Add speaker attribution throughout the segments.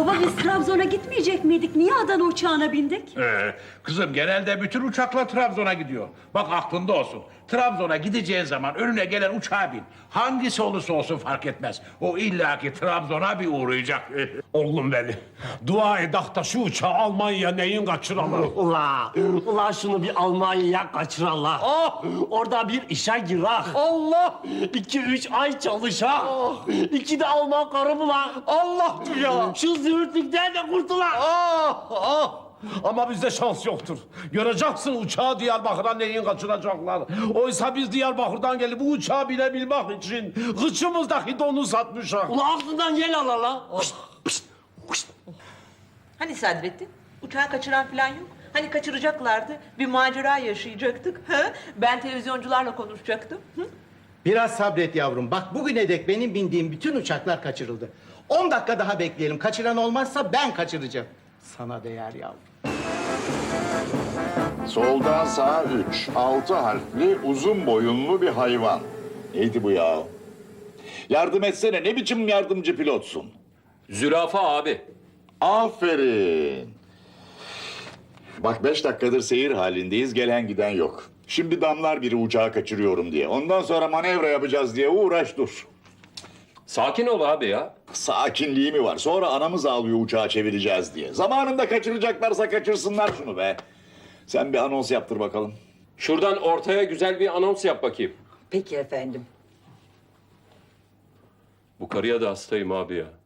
Speaker 1: Baba biz Trabzon'a gitmeyecek miydik? Niye Adana uçağına bindik?
Speaker 2: Kızım genelde bütün uçaklar Trabzon'a gidiyor. Bak aklında olsun. Trabzon'a gideceğin zaman önüne gelen uçağa bin. Hangisi olursa olsun fark etmez. O illaki Trabzon'a bir uğrayacak.
Speaker 3: Oğlum beni. Dua edak da şu uçağı Almanya neyin kaçıralım?
Speaker 4: Ula şunu bir Almanya'ya kaçıralım. Orada bir işe girak.
Speaker 3: Allah!
Speaker 4: 2-3 ay çalışak. 2 de Alman karı bulan.
Speaker 3: Allah ya!
Speaker 4: Şu züğürtlükten de kurtulan.
Speaker 3: Ama bizde şans yoktur. Göreceksin uçağı Diyarbakır'a neyin kaçıracaklar. Oysa biz Diyarbakır'dan gelip bu uçağa binebilmek için kıçımızdaki donu satmışız.
Speaker 4: Ula aklından gel ala.
Speaker 5: Hani Sadrettin? Uçağı kaçıran falan yok. Hani kaçıracaklardı. Bir macera yaşayacaktık. Ha? Ben televizyoncularla konuşacaktım. Hı?
Speaker 6: Biraz sabret yavrum. Bak bugüne dek benim bindiğim bütün uçaklar kaçırıldı. 10 dakika daha bekleyelim. Kaçıran olmazsa ben kaçıracağım. Sana değer yavrum.
Speaker 7: Soldan sağa 3, 6 harfli uzun boyunlu bir hayvan. Neydi bu ya? Yardım etsene, ne biçim yardımcı pilotsun?
Speaker 8: Zürafa abi.
Speaker 7: Aferin. Bak 5 dakikadır seyir halindeyiz, gelen giden yok. Şimdi damlar biri uçağı kaçırıyorum diye. Ondan sonra manevra yapacağız diye uğraş dur.
Speaker 8: Sakin ol abi ya.
Speaker 7: Sakinliği mi var? Sonra anamız ağlıyor uçağı çevireceğiz diye. Zamanında kaçıracaklarsa kaçırsınlar şunu be. Sen bir anons yaptır bakalım.
Speaker 8: Şuradan ortaya güzel bir anons yap bakayım.
Speaker 9: Peki efendim.
Speaker 8: Bu karıya da hastayım abi ya.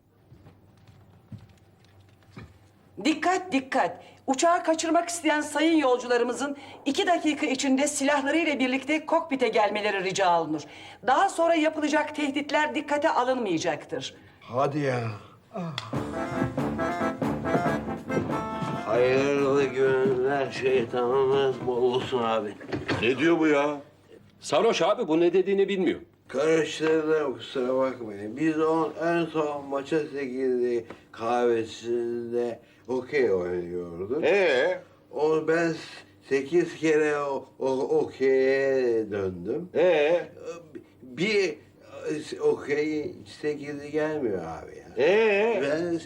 Speaker 9: Dikkat dikkat. Uçağı kaçırmak isteyen sayın yolcularımızın 2 dakika içinde silahlarıyla birlikte kokpite gelmeleri rica olunur. Daha sonra yapılacak tehditler dikkate alınmayacaktır.
Speaker 10: Hadi ya. Hayırlı günler şeytanımız bol olsun abi.
Speaker 7: Ne diyor bu ya?
Speaker 8: Sarhoş abi, bu ne dediğini bilmiyor.
Speaker 10: Karıştırdım kusura bakmayın. Biz en son maça 8'de kahvesinde okey oynuyorduk. Ben 8 kere okey'e döndüm. Bir okey 8'i gelmiyor abi ya. Ben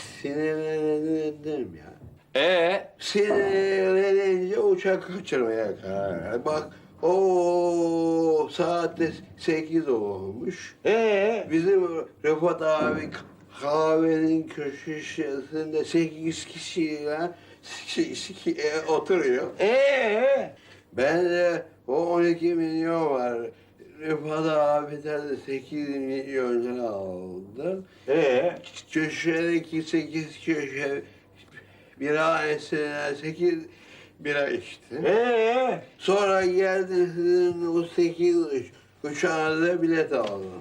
Speaker 10: sinirlendim ya. Sinirlenince uçak kaçırmaya karar verdim. Bak o saatte 8 olmuş. Bizim Rıfat abi kahvenin köşesinde 8 kişiyle oturuyor. Ben de o 12 milyon var. Rıfat abiden de 8 milyon lira aldım. Köşedeki 8 köşe biranesine 8 bira içtim. Sonra geldi sizin o 8 uçağınıza bilet aldım.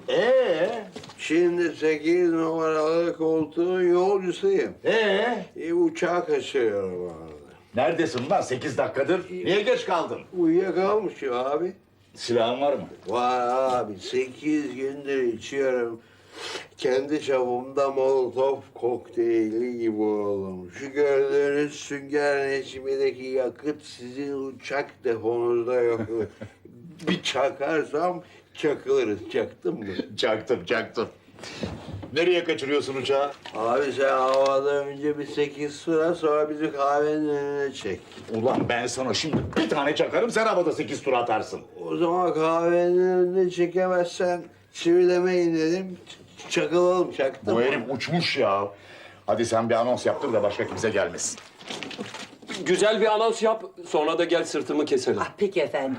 Speaker 10: Şimdi 8 numaralı koltuğun yolcusuyum. Uçağı kaçırıyorum abi.
Speaker 7: Neredesin lan 8 dakikadır? Niye geç kaldın?
Speaker 10: Uyuyakalmışım abi.
Speaker 7: Silahın var mı?
Speaker 10: Var abi 8 gündür içiyorum. Kendi çapımda Molotov kokteyli gibi oldum. Şu gördüğünüz sünger Necmi'deki yakıt sizin uçak deponuzda yok. Bir çakarsam çakılırız. Çaktın mı?
Speaker 7: Çaktım. Nereye kaçırıyorsun uçağı?
Speaker 10: Abi sen havada önce bir 8 sıra sonra bizi kahvenin önüne çek.
Speaker 7: Ulan ben sana şimdi bir tane çakarım, sen havada 8 tur atarsın.
Speaker 10: O zaman kahvenin önüne çekemezsen çivilemeyin dedim. Çakılalım, çaktım.
Speaker 7: Bu herif uçmuş ya. Hadi sen bir anons yaptır da başka kimse gelmesin.
Speaker 8: Güzel bir anons yap, sonra da gel sırtımı keselim.
Speaker 9: Peki efendim.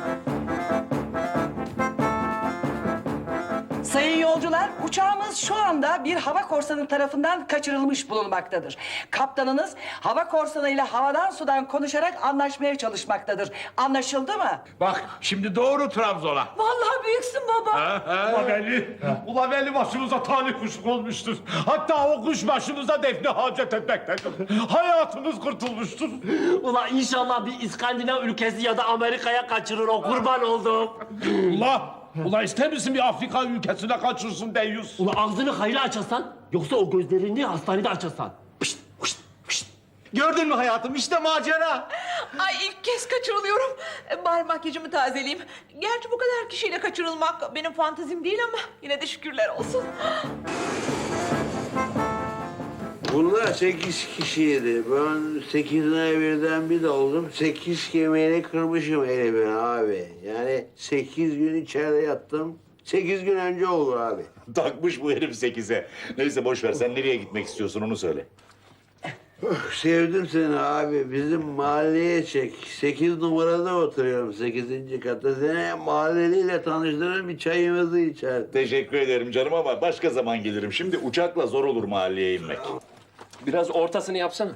Speaker 9: Sayın yolcular, uçağımız şu anda bir hava korsanı tarafından kaçırılmış bulunmaktadır. Kaptanınız hava korsanıyla havadan sudan konuşarak anlaşmaya çalışmaktadır. Anlaşıldı mı?
Speaker 2: Bak şimdi doğru Trabzon'a.
Speaker 5: Vallahi büyüksün baba.
Speaker 3: Ula belli başımıza talih kuşu olmuştur. Hatta o kuş başımıza defne hacet etmektedir. Hayatınız kurtulmuştur.
Speaker 4: Ula inşallah bir İskandinav ülkesi ya da Amerika'ya kaçırır o kurban oldum.
Speaker 3: Ula ister misin bir Afrika ülkesine kaçırsın deyyus?
Speaker 4: Ula ağzını hayli açarsan yoksa o gözlerini hastanede açarsan.
Speaker 6: Gördün mü hayatım? İşte macera.
Speaker 5: Ay ilk kez kaçırılıyorum. Bari makyajımı tazeleyeyim. Gerçi bu kadar kişiyle kaçırılmak benim fantazim değil ama yine de şükürler olsun.
Speaker 10: Bunlar 8 kişiydi. Ben 8'ine birden bir oldum. 8 kemiğini kırmışım elimin abi. Yani 8 gün içeride yattım. 8 gün önce olur abi.
Speaker 7: Takmış bu herif 8'e. Neyse boş ver, sen nereye gitmek istiyorsun onu söyle.
Speaker 10: Sevdim seni abi. Bizim mahalleye çek. 8 numarada oturuyorum 8. katta. Seni mahalleliyle tanıştırır, bir çayımızı içer.
Speaker 7: Teşekkür ederim canım ama başka zaman gelirim. Şimdi uçakla zor olur mahalleye inmek.
Speaker 8: Biraz ortasını yapsana.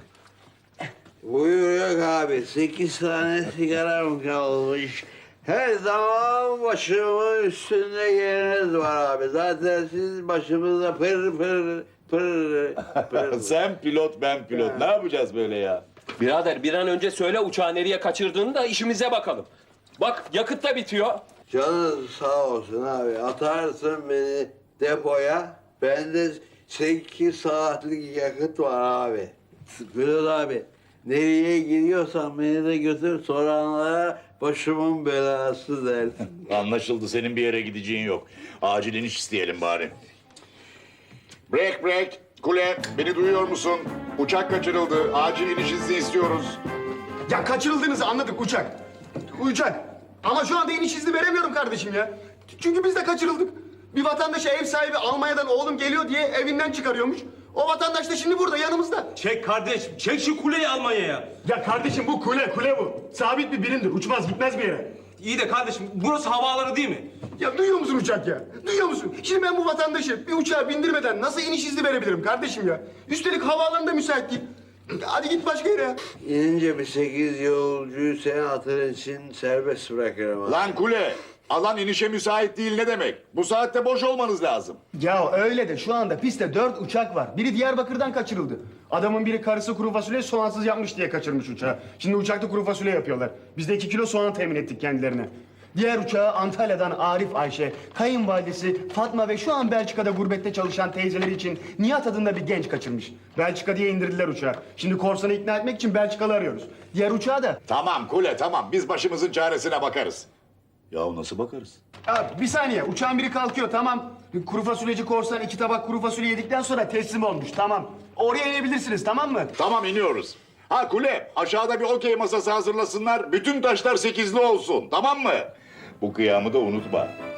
Speaker 10: Buyur yok abi. 8 tane sigaram kalmış. Her zaman başımın üstünde yeriniz var abi. Zaten siz başımızda pır pır pır pır.
Speaker 7: Sen pilot, ben pilot. Ne yapacağız böyle ya?
Speaker 8: Birader bir an önce söyle uçağı nereye kaçırdığını da işimize bakalım. Bak yakıt da bitiyor.
Speaker 10: Canın sağ olsun abi. Atarsın beni depoya. Bende 8 saatlik yakıt var abi. Pilot abi. Nereye gidiyorsan beni de götür, soranlara başımın belası dersin.
Speaker 7: Anlaşıldı, senin bir yere gideceğin yok. Acil iniş isteyelim bari. Break break. Kule, beni duyuyor musun? Uçak kaçırıldı. Acil iniş izni istiyoruz.
Speaker 11: Ya kaçırıldığınızı anladık uçak. Uçak. Ama şu anda iniş izni veremiyorum kardeşim ya. Çünkü biz de kaçırıldık. Bir vatandaşa ev sahibi Almanya'dan oğlum geliyor diye evinden çıkarıyormuş. O vatandaş da şimdi burada yanımızda.
Speaker 3: Çek kardeş, çek şu kuleyi Almanya'ya.
Speaker 11: Ya kardeşim bu kule bu. Sabit bir birimdir. Uçmaz gitmez bir yere.
Speaker 3: İyi de kardeşim, burası havaalanı değil mi?
Speaker 11: Ya duyuyor musun uçak ya? Duyuyor musun? Şimdi ben bu vatandaşı bir uçağa bindirmeden nasıl iniş izni verebilirim kardeşim ya? Üstelik havaalanı da müsait değil. Hadi git başka yere ya.
Speaker 10: İnince bir 8 yolcuyu senin hatırın için serbest bırakırım abi.
Speaker 7: Lan Kule, alan inişe müsait değil ne demek? Bu saatte boş olmanız lazım.
Speaker 11: Ya öyle de şu anda pistte 4 uçak var. Biri Diyarbakır'dan kaçırıldı. Adamın biri karısı kuru fasulye soğansız yapmış diye kaçırmış uçağı. Şimdi uçakta kuru fasulye yapıyorlar. Biz de 2 kilo soğan temin ettik kendilerine. Diğer uçağı Antalya'dan Arif Ayşe, kayınvalidesi Fatma ve şu an Belçika'da gurbette çalışan teyzeleri için Nihat adında bir genç kaçırmış. Belçika diye indirdiler uçağı. Şimdi korsanı ikna etmek için Belçikalı arıyoruz. Diğer uçağı da...
Speaker 7: Tamam Kule, tamam. Biz başımızın çaresine bakarız. Ya nasıl bakarız?
Speaker 11: Ya bir saniye, uçağın biri kalkıyor tamam. Kuru fasulyeci korsan 2 tabak kuru fasulye yedikten sonra teslim olmuş tamam. Oraya inebilirsiniz tamam mı?
Speaker 7: Tamam, iniyoruz. Ha Kule, aşağıda bir okey masası hazırlasınlar. Bütün taşlar 8'li olsun, tamam mı? Bu kıyamı da unutma.